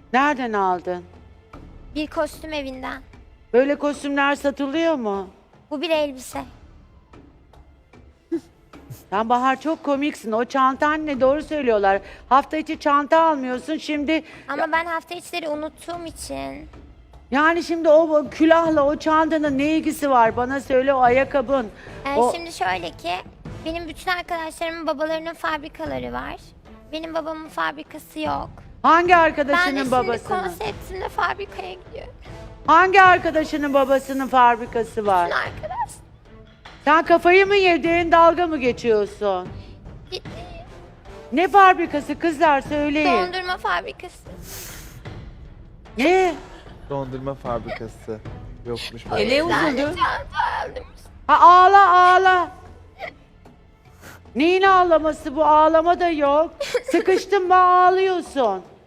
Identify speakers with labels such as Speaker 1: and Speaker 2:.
Speaker 1: Nereden aldın?
Speaker 2: Bir kostüm evinden.
Speaker 1: Böyle kostümler satılıyor mu?
Speaker 2: Bu bir elbise.
Speaker 1: Sen Bahar çok komiksin. O çantan ne? Doğru söylüyorlar. Hafta içi çanta almıyorsun. Şimdi
Speaker 2: Ama ben hafta içleri unuttuğum için.
Speaker 1: yani şimdi o külahla o çantanın ne ilgisi var? Bana söyle o ayakkabın. O...
Speaker 2: Şimdi şöyle ki benim bütün arkadaşlarımın babalarının fabrikaları var. Benim babamın fabrikası yok.
Speaker 1: Hangi
Speaker 2: Ben de
Speaker 1: arkadaşının
Speaker 2: şimdi
Speaker 1: babasının?
Speaker 2: konseptimde fabrikaya gidiyorum.
Speaker 1: Hangi arkadaşının babasının fabrikası var?
Speaker 2: Bütün arkadaş
Speaker 1: Sen kafayı mı yedin, dalga mı geçiyorsun?
Speaker 2: gitti.
Speaker 1: Ne fabrikası kızlar söyleyin.
Speaker 2: Dondurma fabrikası.
Speaker 1: Ne?
Speaker 3: Dondurma fabrikası yokmuş.
Speaker 2: O
Speaker 1: ne
Speaker 2: yüzden de
Speaker 1: üzüldün?
Speaker 2: çanta aldım.
Speaker 1: Ha ağla ağla. Neyin ağlaması bu? Ağlama da yok. Sıkıştın mı ağlıyorsun.